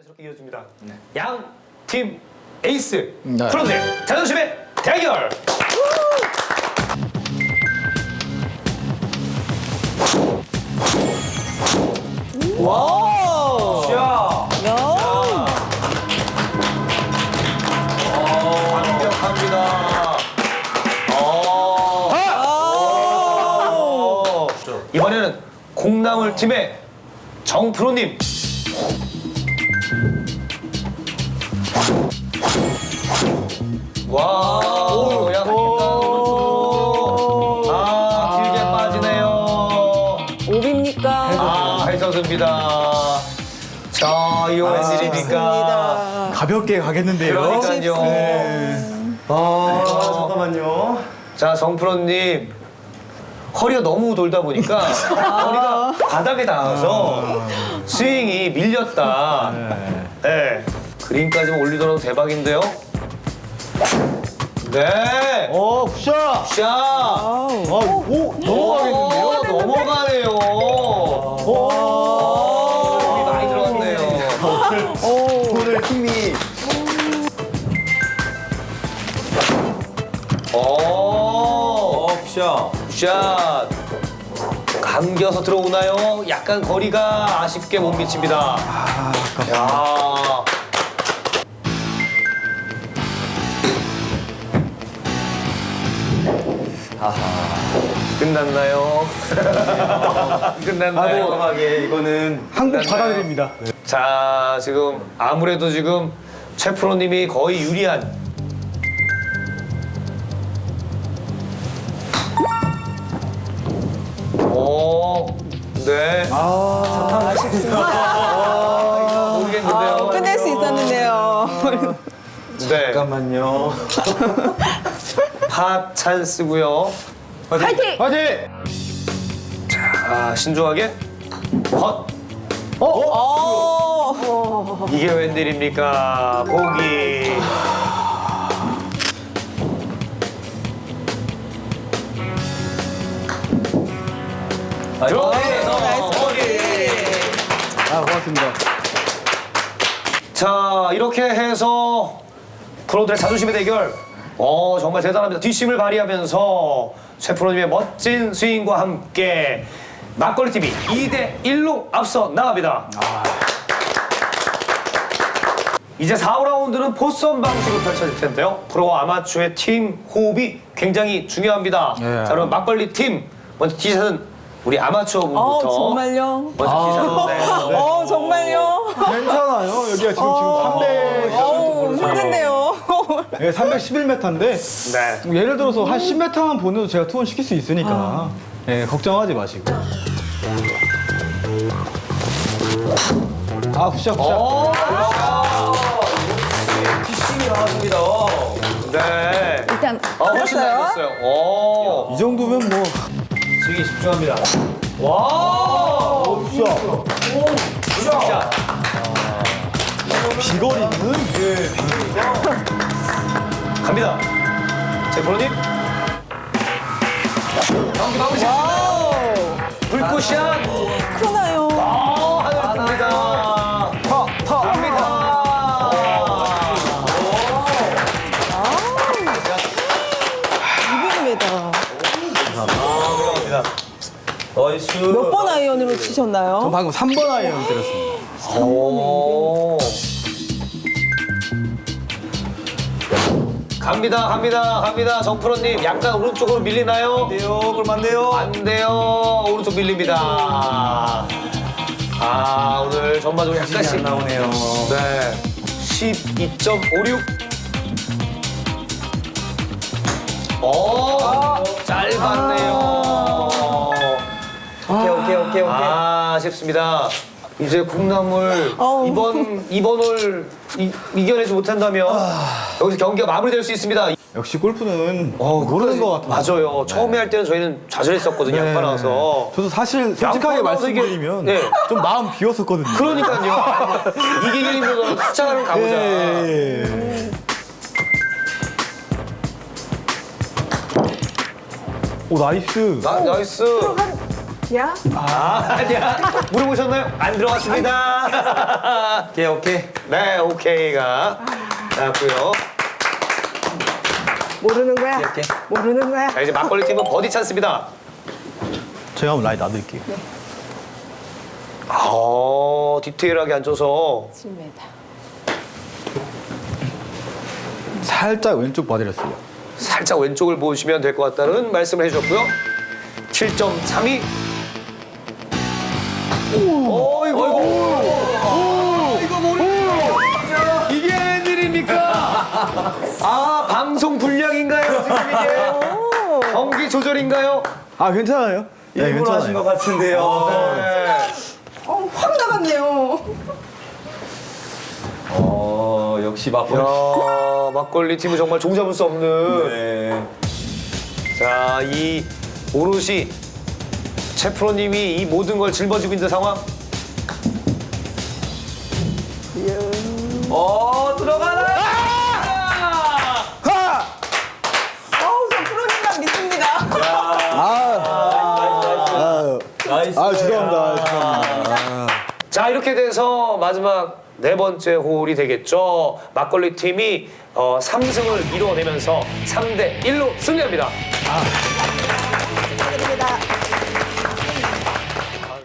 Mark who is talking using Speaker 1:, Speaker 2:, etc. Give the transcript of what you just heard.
Speaker 1: 자연스럽게 이어집니다. 양 팀 에이스 프로들 자존심의 대결.
Speaker 2: 와!
Speaker 1: 자,
Speaker 2: 야!
Speaker 1: 완벽합니다. 이번에는 콩나물 팀의 정프로님. 와, 약간 길게 빠지네요.
Speaker 2: 오비입니까?
Speaker 1: 해서습니다. 자, 이거 웬일입니까?
Speaker 2: 좋습니다.
Speaker 3: 가볍게 가겠는데요.
Speaker 1: 그러니까요.
Speaker 3: 잠깐만요.
Speaker 1: 자, 정프로님. 허리가 너무 돌다 보니까 허리가 바닥에 닿아서 스윙이 밀렸다. 네. 그린까지만 올리더라도 대박인데요. 네.
Speaker 3: 굿샷.
Speaker 1: 샷.
Speaker 3: 오, 넘어가겠는데요?
Speaker 1: 넘어가네요. 힘이 많이 들어갔네요.
Speaker 3: 오늘 힘이.
Speaker 1: 굿샷. 굿샷. 감겨서 들어오나요? 약간 거리가 아쉽게 못 미칩니다. 야. 끝났나요? 끝났나요?
Speaker 3: 깔끔하게 이거는 한국 받아들입니다.
Speaker 1: 자, 지금 아무래도 지금 최 프로님이 거의 유리한. 네. 모르겠는데요.
Speaker 2: 끝낼 수 있었는데요.
Speaker 1: 네.
Speaker 3: 잠깐만요.
Speaker 1: 파 찬스고요.
Speaker 2: 파이팅!
Speaker 3: 화이팅!
Speaker 1: 신중하게. 헛. 이게 웬일입니까? 보기. 들어가서 보기.
Speaker 3: 고맙습니다.
Speaker 1: 자, 이렇게 해서 프로들의 자존심의 대결. 정말 대단합니다. 뒷심을 발휘하면서 최 프로님의 멋진 스윙과 함께 막걸리 팀이 2대1로 앞서 나갑니다. 이제 4라운드는 포선 방식으로 펼쳐질 텐데요. 프로와 아마추어의 팀 호흡이 굉장히 중요합니다. 자, 그럼 막걸리 팀 먼저 티샷은 우리 아마추어 분부터.
Speaker 2: 정말요?
Speaker 1: 먼저 티샷. 네.
Speaker 2: 정말요?
Speaker 3: 괜찮아요. 여기가 지금 300.
Speaker 2: 힘든데요.
Speaker 3: 네, 311m인데
Speaker 1: 네.
Speaker 3: 예를 들어서 한 10m만 보내도 제가 투혼 시킬 수 있으니까 걱정하지 마시고. 굿샷.
Speaker 1: 뒷심이 나왔습니다. 네.
Speaker 2: 일단
Speaker 1: 훨씬
Speaker 2: 끝났어요.
Speaker 1: 나았어요.
Speaker 3: 이 정도면 뭐.
Speaker 1: 스윙에 집중합니다. 와! 굿샷.
Speaker 3: 비거리는
Speaker 1: 갑니다. 제 프로님. 경기 마무리 짓습니다. 불꽃샷.
Speaker 2: 크나요?
Speaker 1: 하늘 뜹니다. 갑니다.
Speaker 2: 이분입니다.
Speaker 1: 나이스.
Speaker 2: 몇 번 아이언으로 치셨나요?
Speaker 3: 전 방금 3번 아이언 때렸습니다.
Speaker 1: 갑니다. 정프로님 약간 오른쪽으로 밀리나요?
Speaker 3: 안돼요, 그럼 안 돼요.
Speaker 1: 안 돼요. 오른쪽 밀립니다. 오늘 전반적으로 약간씩
Speaker 3: 나오네요.
Speaker 1: 네. 12.56. 짧았네요.
Speaker 3: 오케이.
Speaker 1: 아쉽습니다. 이제 콩나물
Speaker 2: 어우.
Speaker 1: 이번 홀 이겨내지 못한다면 여기서 경기가 마무리될 수 있습니다.
Speaker 3: 역시 골프는 모르는 것 같아요.
Speaker 1: 맞아요. 처음에 할 때는 저희는 좌절했었거든요. 양파 나와서.
Speaker 3: 저도 사실 솔직하게
Speaker 1: 양파 나와서 이게-
Speaker 3: 말씀드리면
Speaker 1: 네.
Speaker 3: 좀 마음 비웠었거든요.
Speaker 1: 그러니까요. 이기기 힘들어서 숫자를 가보자.
Speaker 3: 예. 오, 나이스.
Speaker 1: 나이스.
Speaker 2: 야?
Speaker 1: 아니야. 물어보셨나요? 안 들어갔습니다.
Speaker 4: 오케이.
Speaker 1: 네, 오케이가 나왔고요.
Speaker 2: 모르는 거야?
Speaker 4: 이렇게.
Speaker 2: 모르는 거야?
Speaker 1: 자, 이제 막걸리 팀은 버디 찬스입니다.
Speaker 3: 제가 한번 라인 놔드릴게요.
Speaker 1: 디테일하게 앉아서
Speaker 2: 7m.
Speaker 3: 살짝 왼쪽 봐드렸어요.
Speaker 1: 살짝 왼쪽을 보시면 될 것 같다는 말씀을 해주셨고요. 7.32. 이거 모르겠어요. 이게 웬일입니까? 방송 불량인가요, 지금 이게? 경기 조절인가요?
Speaker 3: 아 괜찮아요? 네,
Speaker 4: 일부러 하신 것 같은데요.
Speaker 1: 네.
Speaker 2: 확 나갔네요.
Speaker 4: 역시 막걸리.
Speaker 1: 야, 막걸리 팀은 정말 종잡을 수 없는.
Speaker 4: 네.
Speaker 1: 자, 이 오롯이 최 프로님이 이 모든 걸 짊어지고 있는 상황.
Speaker 4: 들어가라.
Speaker 2: 저 프로님만 믿습니다.
Speaker 4: 나이스.
Speaker 3: 죄송합니다.
Speaker 1: 자, 이렇게 돼서 마지막 네 번째 홀이 되겠죠. 막걸리 팀이 3승을 이루어내면서 3대 1로 승리합니다.
Speaker 2: 축하드립니다.